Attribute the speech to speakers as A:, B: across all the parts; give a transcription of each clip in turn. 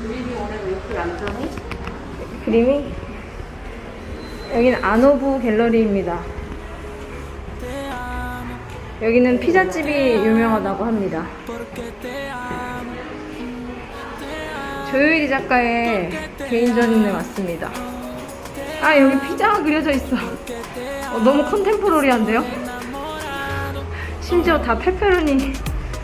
A: 그림이 오늘 왜 이렇게 얌전해?
B: 그림이? 여기는 아노부 갤러리입니다. 여기는 피자집이 유명하다고 합니다. 조요일이 작가의 개인전에 왔습니다. 아, 여기 피자가 그려져 있어. 너무 컨템포러리한데요? 심지어 다 페페로니.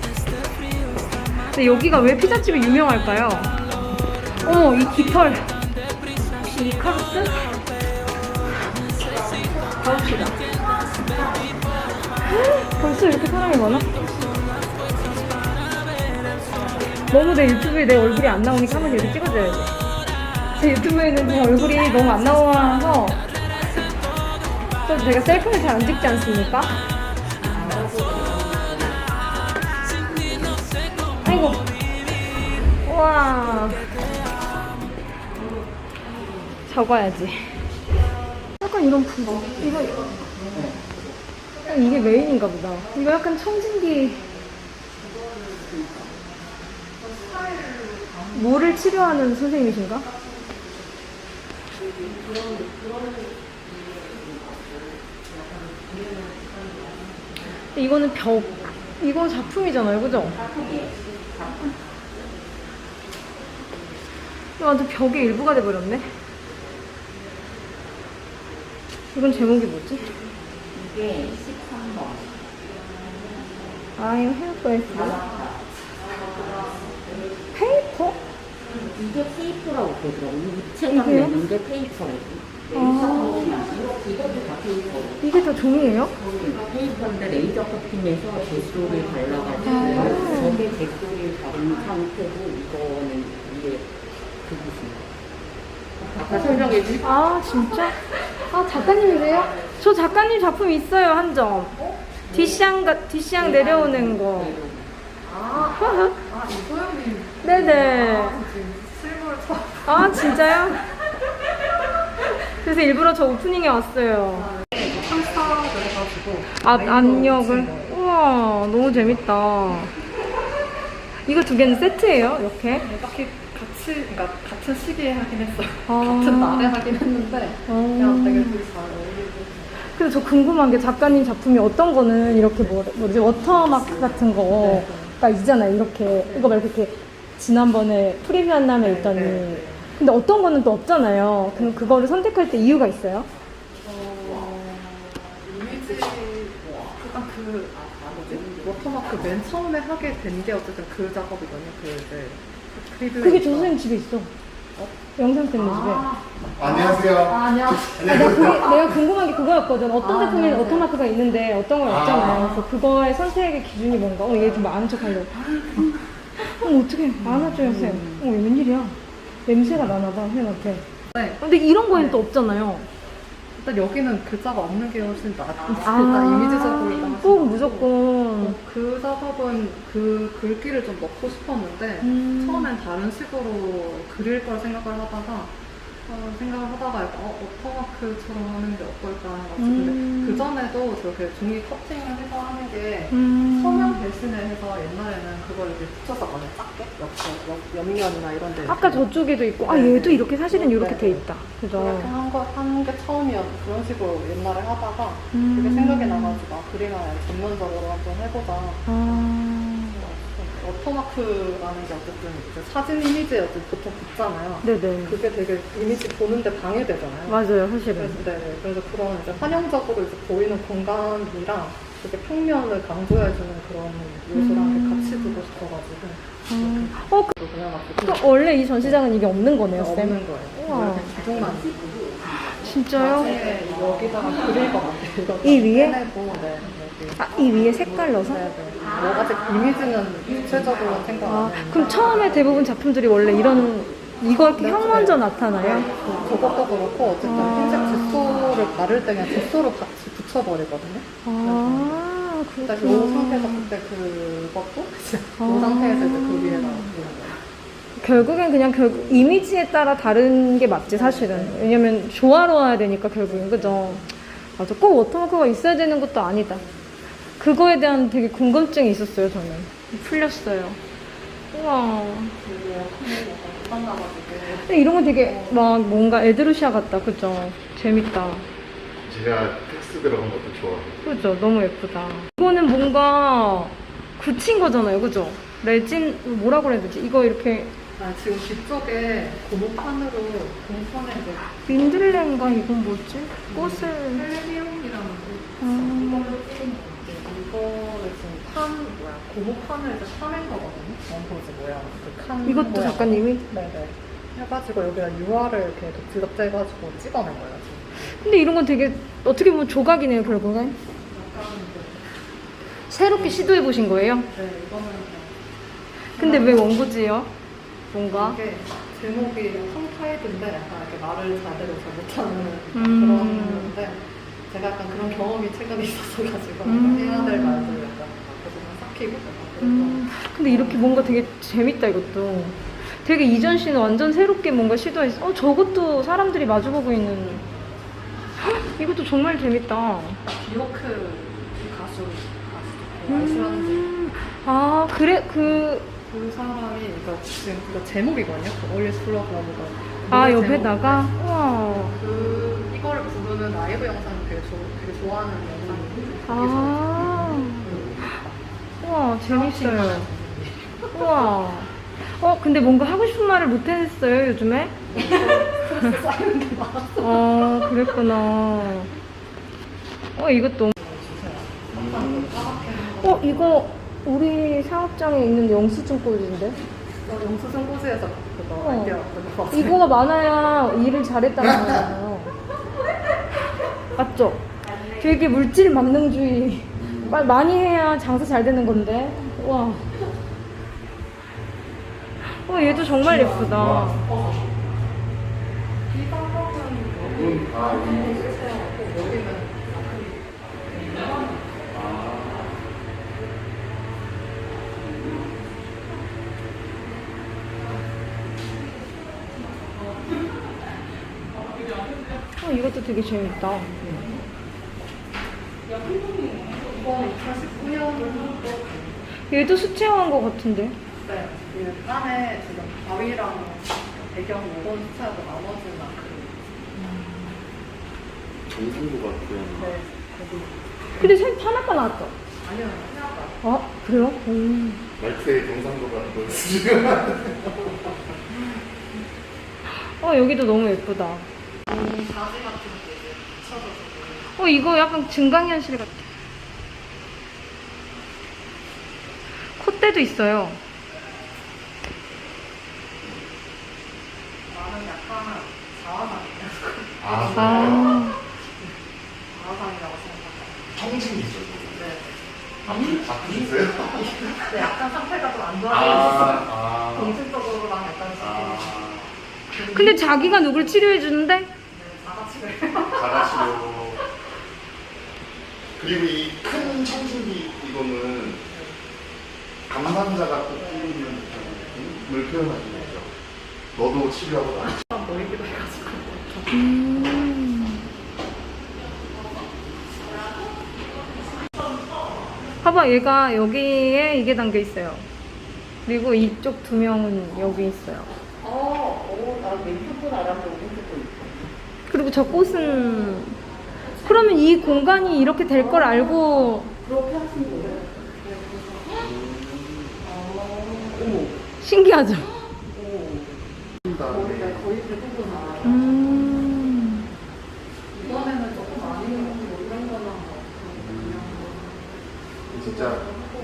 B: 근데 여기가 왜 피자집이 유명할까요? 이 깃털. 혹시 이카루스? 가봅시다. 벌써 이렇게 사람이 많아? 너무 내 유튜브에 내 얼굴이 안 나오니까 한번 여기 찍어줘야지. 제 유튜브에는 제 얼굴이 너무 안 나와서 또 제가 셀카를 잘 안 찍지 않습니까? 아이고. 우와. 적어야지. 약간 이런 풍경. 이게 메인인가 보다. 이거 약간 청진기. 뭐를 치료하는 선생님이신가? 이거는 벽. 이건 작품이잖아요, 그죠? 이거 완전 벽의 일부가 돼버렸네. 이건 제목이 뭐지?
A: 이게 13번.
B: I'm helpless. 페이퍼?
A: 이게 테이프라고 그러더라고. 이 책만 내는 게 테이프라고. 이것도 다 테이프.
B: 이게 다 종이에요?
A: 테이프인데 레이저 커팅해서 젯소를 발라가지고 저게 젯소를 바른 상태고 이거는 이게 그 무슨 아까 설명해 주신
B: 아, 진짜? 아, 작가님이세요? 저 작가님 작품 있어요, 한 점. 뒷샹 내려오는 거.
C: 이소영님
B: 네네.
C: 실물 처음.
B: 아, 진짜요? 그래서 일부러 저 오프닝에 왔어요.
C: 상사를 해가지고
B: 압력을. 우와, 너무 재밌다. 이거 두 개는 세트예요, 이렇게?
C: 딱히 그러니까 같은 시기에 하긴 했어요.
B: 아.
C: 같은 날에 하긴 했는데 그냥 되게 둘이 잘 어울리고.
B: 그래서 저 궁금한 게 작가님 작품이 어떤 거는 이렇게 뭐지 워터마크 같은 거가 있잖아요. 이렇게 이거 말고 이렇게 지난번에 프리뷰 한남에 있더니 근데 어떤 거는 또 없잖아요. 그럼 그거를 선택할 때 이유가 있어요?
C: 이미지 약간 뭐지? 워터마크 맨 처음에 하게 된 게 어쨌든 그 작업이거든요. 그 이제 크리블.
B: 그게 조 선생님 집에 있어. 영상 때문에 집에.
D: 안녕하세요.
C: 아니야.
B: 내가 궁금한 게 그거였거든. 어떤 제품에는 워터마크가 있는데 어떤 건 없잖아요. 그래서 그거의 선택의 기준이 뭔가? 얘 좀 아는 척 하려고. 어떡해. 안아줘요, 쌤. 웬일이야. 냄새가 나나봐, 쌤한테.
C: 네.
B: 근데 이런 거에는 또 없잖아요.
C: 일단 여기는 글자가 없는 게 훨씬 일단 이미지적으로
B: 꼭 무조건.
C: 그 작업은 그 글귀를 좀 넣고 싶었는데 처음엔 다른 식으로 그릴 걸 생각을 하다가 약간 워터마크처럼 하는 게 어떨까 해가지고 근데 그 전에도 저렇게 종이 커팅을 해서 하는 게 서명 대신에 해서 옛날에는 그걸 이렇게 붙였었거든요. 작게 옆면이나 이런 데
B: 아까 저쪽에도 있고, 아, 얘도 이렇게 사실은 이렇게 돼 있다. 그죠?
C: 그렇게 한 게 처음이었고 그런 식으로 옛날에 하다가 그게 생각이 나가지고 그림을 전면적으로 한번 해보자. 워터마크라는 게 어쨌든 이제 사진 이미지에 어쨌든 보통 붙잖아요.
B: 네네.
C: 그게 되게 이미지 보는데 방해되잖아요.
B: 맞아요, 사실은.
C: 그래서 그런 이제 환영적으로 이제 보이는 공간이랑 되게 평면을 강조해주는 그런 요소랑 같이 두고 싶어가지고.
B: 또 원래 이 전시장은 이게 없는 거네요, 쌤?
C: 없는 거예요.
B: 우와.
C: 기존만
B: 진짜요?
C: 여기다가 그릴 것 같아요.
B: 이 위에?
C: 해내고, 네.
B: 아, 이 위에 색깔 넣어서?
C: 뭐 아직 이미지는 구체적으로 생각 안 했는데.
B: 그럼 처음에 대부분 작품들이 원래 이거 이렇게 형 먼저 나타나요?
C: 저것도 그렇고 어쨌든 흰색 젯소를 바를 때 그냥 젯소로 같이 붙여버리거든요.
B: 아,
C: 일단 이
B: 그렇구나.
C: 상태에서 그때 그것도 이 상태에서 이제 그 위에다 그리는 거예요.
B: 결국엔 그냥 이미지에 따라 다른 게 맞지, 사실은. 왜냐면 조화로워야 되니까, 결국엔. 그죠? 맞아. 꼭 워터마크가 있어야 되는 것도 아니다. 그거에 대한 되게 궁금증이 있었어요, 저는. 풀렸어요. 우와.
C: 못 만나가지고.
B: 근데 이런 거 되게 막 뭔가 에드루시아 같다. 그죠? 재밌다.
D: 제가 텍스트 들어간 것도 좋아해요.
B: 그죠? 너무 예쁘다. 이거는 뭔가 굳힌 거잖아요. 그죠? 레진, 뭐라고 해야 되지? 이거 이렇게
C: 아, 지금 뒤쪽에 고무판으로 고무판에 이제
B: 민들레인가? 이건 뭐지? 꽃을.
C: 헬리움이라는 이걸로 찍은 건데 이거를 지금 고무판을 이제 파낸 거거든요. 원포즈 모양 그칸
B: 이것도 작가님이?
C: 네네 해가지고 여기다 유화를 이렇게 드럽게 해가지고 찍어낸 거예요 지금.
B: 근데 이런 건 되게 어떻게 보면 조각이네요, 결국엔. 새롭게 시도해 보신 거예요?
C: 네 이거는
B: 근데 왜 원고지예요? 뭔가?
C: 이게 제목이 펑타이드인데 약간 이렇게 말을 제대로 잘 못하는
B: 음.
C: 그런 건데 제가 약간 그런 경험이 최근에 있었어가지고 해야 될 말들 약간 계속 삭히고 약간
B: 근데 이렇게 뭔가 되게 재밌다, 이것도. 되게 이전 씨는 완전 새롭게 뭔가 시도했어. 저것도 사람들이 마주보고 있는. 헉, 이것도 정말 재밌다.
C: 비오크 가수 아이스라는
B: 아, 그래,
C: 그 사람이 그러니까 지금 그 제목이거든요. 올리스 플러그라고.
B: 아, 옆에다가? 우와.
C: 그 이거를 부르는 라이브 영상을 되게 좋아하는 영상이.
B: 아. 우와, 재밌어요. 우와. 근데 뭔가 하고 싶은 말을 못 했어요, 요즘에?
C: 쌓이는 게 많았어.
B: 그랬구나. 이것도. 이거 우리 사업장에 있는 영수증 꽂인데?
C: 영수증 고지에서 그거 아이디어 그거 봤어요.
B: 이거가 많아야 일을 잘했다는 거잖아요. 맞죠? 되게 물질 만능주의. 많이 해야 장사 잘 되는 건데. 와. 얘도 정말 예쁘다.
C: 이 방법은 여기는
B: 이것도 되게 재밌다.
C: 이건 2019년
B: 얘도 수채화한 것 같은데.
C: 네, 그 안에 지금 바위랑 배경 모건 수채하고 나머지는 아크릴.
D: 정상도 같고요.
C: 네, 거기.
B: 근데 색 하나가 나왔죠?
C: 아니요, 생각보다.
B: 아, 그래요?
D: 말투의 정상도가 보였어요.
B: 여기도 너무 예쁘다.
C: 자지 같은 게 이제 붙여져서.
B: 이거 약간 증강현실 같아. 콧대도 있어요.
C: 나는 약간 자화상이에요.
D: 아,
C: 자화상이라고 생각해요.
D: 청진이죠.
C: 네.
D: 바꾸셨어요?
C: 네, 약간 상태가 좀 안 좋아지고
D: 아.
C: 정신적으로랑 약간
B: 근데 자기가 누굴 치료해주는데?
C: 자가치를.
D: 잘하시고. 그리고 이 큰 청진기 이거는 감상자가 꼭 끼는 을 표현하는 거죠. 너도 치료하고 나.
C: 보이기도 해가지고.
B: 봐봐, 얘가 여기에 이게 담겨 있어요. 그리고 이쪽 두 명은 여기 있어요.
A: 나 왼쪽도 알았는데 오른쪽도 있어.
B: 그리고 저 꽃은 그러면 이 공간이 이렇게 될 걸 알고
A: 그렇게 하신 거예요?
B: 신기하죠?
C: 거의 대부분 알아요. 이번에는 조금 아니면 이런 거나
D: 진짜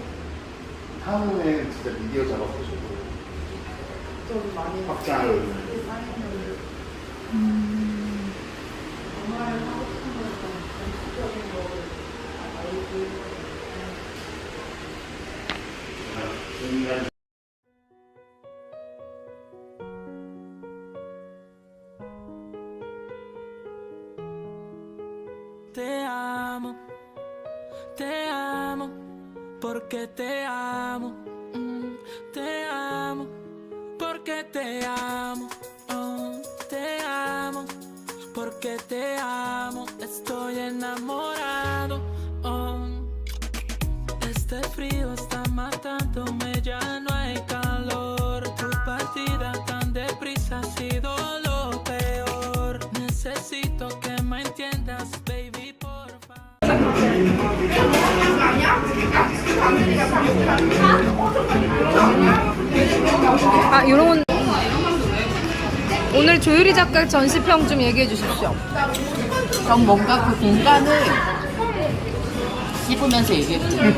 D: 향후에 진짜 미디어 작업하셔도
C: 좀 많이
D: 확장을.
C: 정말 하고 싶은 거는 전체적인 거를 알고
E: te amo, porque te amo, te amo, porque te amo, te amo, porque te amo, estoy enamorado. Este frío está matándome, ya no hay calor.
B: 아, 이런 건 오늘 조유리 작가 전시평 좀 얘기해 주십시오.
F: 전 뭔가 그 공간을 씹으면서 얘기했어요.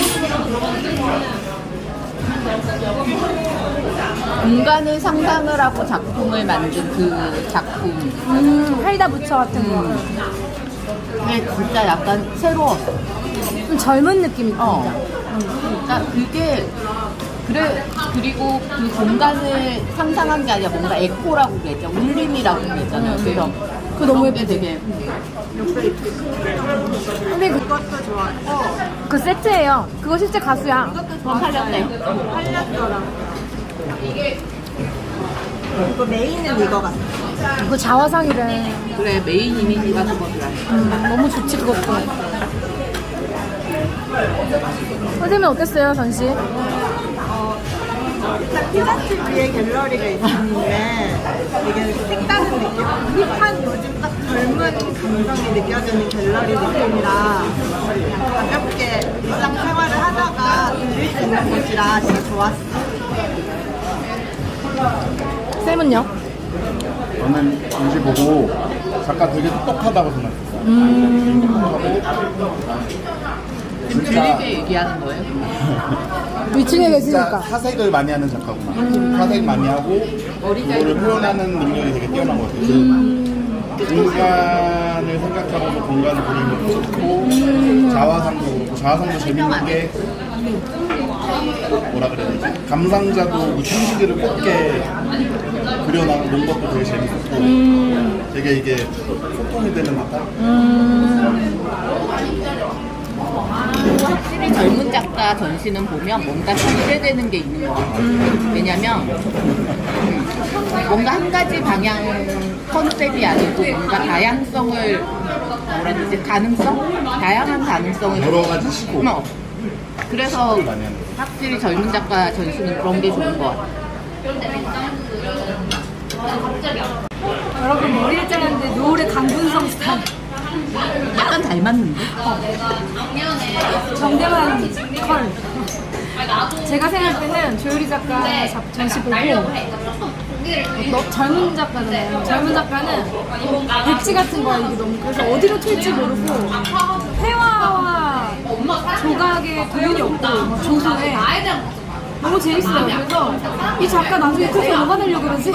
F: 공간을 상상을 하고 작품을 만든 그 작품.
B: 할다 부처 같은 거.
F: 그게 진짜 약간 새로웠어.
B: 좀 젊은 느낌이 든다.
F: 그러니까 그게 그래. 그리고 그 공간을 상상한 게 아니라 뭔가 에코라고 그랬죠. 울림이라고 그랬잖아요. 그래서
B: 그거 너무
F: 그런 게 되게
B: 근데 그것도 좋았고 그 세트예요. 그거 실제 가수야.
F: 팔렸대.
G: 이거 메인은 이거 같아.
B: 그거 자화상이래.
F: 그래 메인 이미지가 그거더라.
B: 너무 좋지 그것도. 선생님 어땠어요 전시?
G: 일단 피자집 위에 갤러리가 있는데 이게 색다른 느낌? 힙한 요즘 딱 젊은 감성이 느껴지는 갤러리 느낌이라 그냥 가볍게 일상생활을 하다가 들릴 수 있는 곳이라 진짜 좋았어.
B: 쌤은요?
D: 저는 전시 보고 작가 되게 똑똑하다고 생각했어요.
F: 지금 들리게 얘기하는 거예요?
B: 위층에
D: 진짜
B: 계시니까.
D: 사색을 많이 하는 작가구나. 사색 많이 하고 그거를 표현하는 능력이 되게 뛰어난 것 같아요. 공간을 생각하고 공간을 그리는 것도 좋고 자화상도 그렇고 자화상도 재밌는 게 뭐라 그래야 되지? 감상자도 그 형식을 곱게 그려놓은 것도 되게 재밌었고 되게 이게 소통이 되는 듯한
F: 확실히 젊은 작가 전시는 보면 뭔가 기대되는 게 있는 것 같아요. 왜냐면 뭔가 한 가지 방향 컨셉이 아니고 뭔가 다양성을 뭐라 그러지? 가능성? 다양한 가능성을
D: 여러 가지 시도
F: 그래서
D: 많이 하는 거.
F: 확실히 젊은 작가 전시는 그런 게 좋은 것 같아요.
B: 여러분 머리를 잘랐는데 노을의 강분성 스타일.
F: 약간 닮았는데?
B: 정대만 컬. 제가 생각할 때는 조유리 작가 전시 보고 젊은 작가잖아요. 젊은 작가는 백지 같은 거야 이게 너무. 그래서 어디로 튈지 모르고 회화와 조각에 구분이 없고 막 조소에 너무 재밌어요. 그래서 이 작가 나중에 커서 뭐가 되려고 그러지?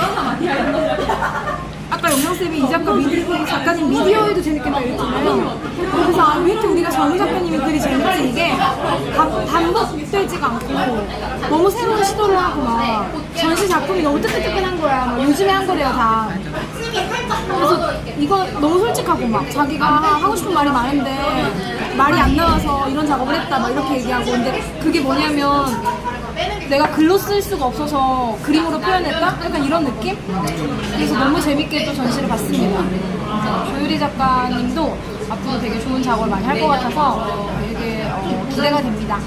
B: 아까 영명쌤이 이 작가 작가님 미디어에도 재밌겠다 이랬잖아요. 그래서 아, 왜 이렇게 우리가 젊은 작가님이 글이 재밌지? 이게 반복되지가 않고 너무 새로운 시도를 하고 막 전시 작품이 너무 뜨끈뜨끈한 거야. 막 요즘에 한 거래요 다. 그래서 이거 너무 솔직하고 막 자기가 하고 싶은 말이 많은데 말이 안 나와서 이런 작업을 했다 막 이렇게 얘기하고. 근데 그게 뭐냐면 내가 글로 쓸 수가 없어서 그림으로 표현했다? 약간 이런 느낌? 그래서 너무 재밌게 또 전시를 봤습니다. 조유리 작가님도 앞으로 되게 좋은 작업을 많이 할 것 같아서 되게 기대가 됩니다.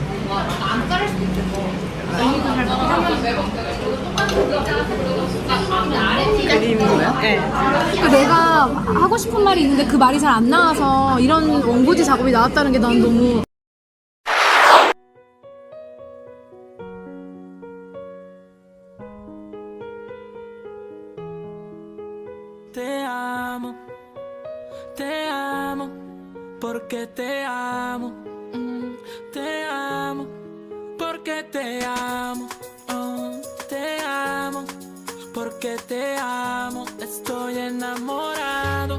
F: 그림이고요? 네.
B: 그러니까 내가 하고 싶은 말이 있는데 그 말이 잘 안 나와서 이런 원고지 작업이 나왔다는 게 난 너무
E: Te amo, porque te amo, te amo, porque te amo, te amo, porque te amo, estoy enamorado.